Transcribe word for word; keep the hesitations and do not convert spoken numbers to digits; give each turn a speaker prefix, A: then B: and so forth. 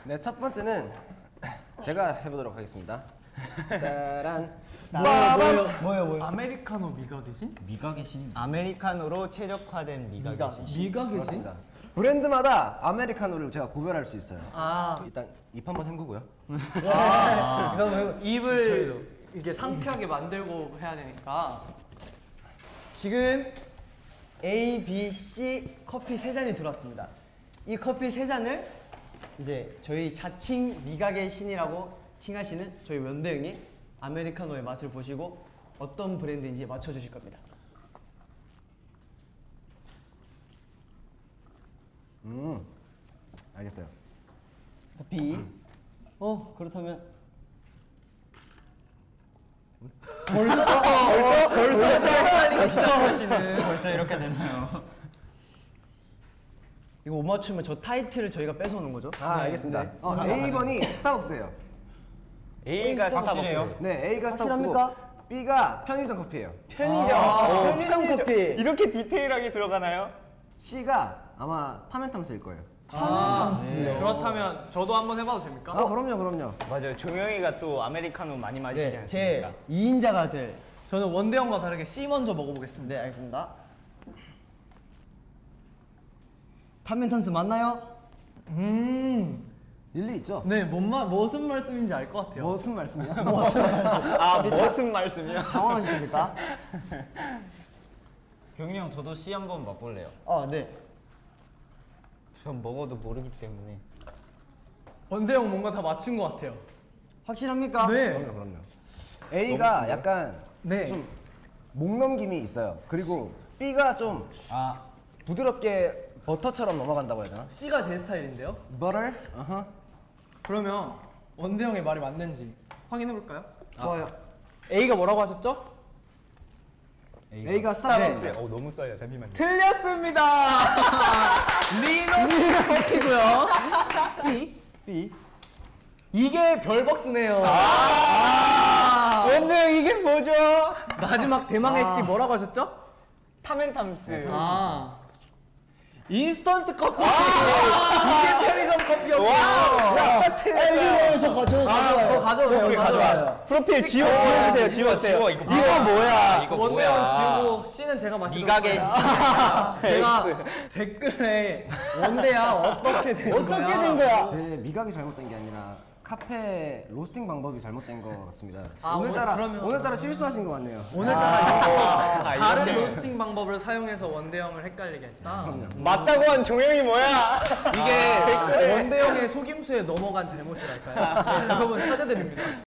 A: 네, 첫 번째는 제가 해보도록 하겠습니다. 따란.
B: 뭐요? 뭐요? 뭐요?
C: 아메리카노 미각이신?
D: 미각이신
B: 아메리카노로 최적화된 미각이신.
C: 미각이신?
A: 그렇습니다. 브랜드마다 아메리카노를 제가 구별할 수 있어요.
C: 아,
A: 일단 입 한번 헹구고요.
C: 입을 이게 상쾌하게 만들고 해야 되니까.
B: 지금 A, B, C 커피 세 잔이 들어왔습니다. 이 커피 세 잔을 이제 저희 자칭 미각의 신이라고 칭하시는 저희 원대 형이 아메리카노의 맛을 보시고 어떤 브랜드인지 맞춰주실 겁니다.
A: 음, 알겠어요.
B: B. 어 그렇다면
C: 벌써 벌써 벌써 헷갈리기 시작하시는.
D: 벌써 이렇게 되나요?
B: 이거 못 맞추면 저 타이틀을 저희가 뺏어오는 거죠?
A: 아, 알겠습니다. 어, A 번이 스타벅스예요.
B: A가
D: 스타벅스예요?
A: 네, A가 스타벅스고
B: 확실합니까?
A: B가 편의점 커피예요.
B: 편의점. 아, 편의점 커피.
E: 이렇게 디테일하게 들어가나요?
A: C가 아마 타멘탐스일 거예요.
C: 네. 그렇다면 저도 한번 해봐도 됩니까?
A: 아, 그럼요, 그럼요.
E: 맞아요. 종영이가 또 아메리카노 많이 마시지
B: 네,
E: 않습니까?
B: 제 이 인자가 될.
C: 저는 원대 형과 다르게 C 먼저 먹어보겠습니다.
B: 네, 알겠습니다. 탄멘탄스 맞나요?
C: 음,
A: 일리 있죠?
C: 네, 뭔 말, 무슨 말씀인지 알 것 같아요.
A: 무슨 말씀이야?
E: 아, 무슨 말씀이요?
B: 당황하셨습니까?
D: 경이 형 저도 C 한번 맛볼래요.
B: 아, 네.
E: 전 먹어도 모르기 때문에.
C: 원대 형 뭔가 다 맞춘 것 같아요.
B: 확실합니까?
C: 네,
A: 그럼요, 그럼요. A가 약간
C: 네.
A: 좀 목넘김이 있어요. 그리고 B가 좀
D: 아
A: 부드럽게 버터처럼 넘어간다고 해야 되나?
C: C가 제 스타일인데요.
A: Butter? 어허.
C: 그러면 원대 형의 말이 맞는지 확인해 볼까요?
B: 좋아요.
C: A가 뭐라고 하셨죠?
A: A가 스타벅스.
E: 어, 너무 써요. 잠시만요.
C: 틀렸습니다. 리노스 커피고요. B.
A: B.
C: 이게 별벅스네요.
E: 아, 원대 형 이게 뭐죠?
C: 마지막 대망의 C 뭐라고 하셨죠?
E: 타멘탐스.
C: 아. 인스턴트 커피. 이게 편의점 커피였어요.
B: 이거 저 가, 저
C: 아, 저 가져와요.
E: 오케이, 가져와요. 프로필 지워, 지워주세요. 지워주세요.
D: 지워, 이거
E: 이거 뭐야?
D: 이거
C: 원대
D: 뭐야?
C: 형 지우고 C는 제가 마시도록
D: 미각의
C: 할게요. 제가 댓글에 원대야 어떻게 된 거야?
B: 어떻게 된 거야?
A: 제 미각이 잘못된 게 아니라 카페 로스팅 방법이 잘못된 것 같습니다.
C: 아,
A: 오늘따라
C: 오- 그러면-
A: 오늘따라 실수하신 것 같네요.
C: 오늘따라 이거
E: 아,
C: 다른
E: 이렇게.
C: 로스팅 방법을 사용해서 원대 형을 헷갈리게 했다.
E: 맞다고 한 종영이 뭐야?
C: 이게 원대 형의 속임수에 넘어간 잘못이랄까요? 네, 여러분 사죄드립니다.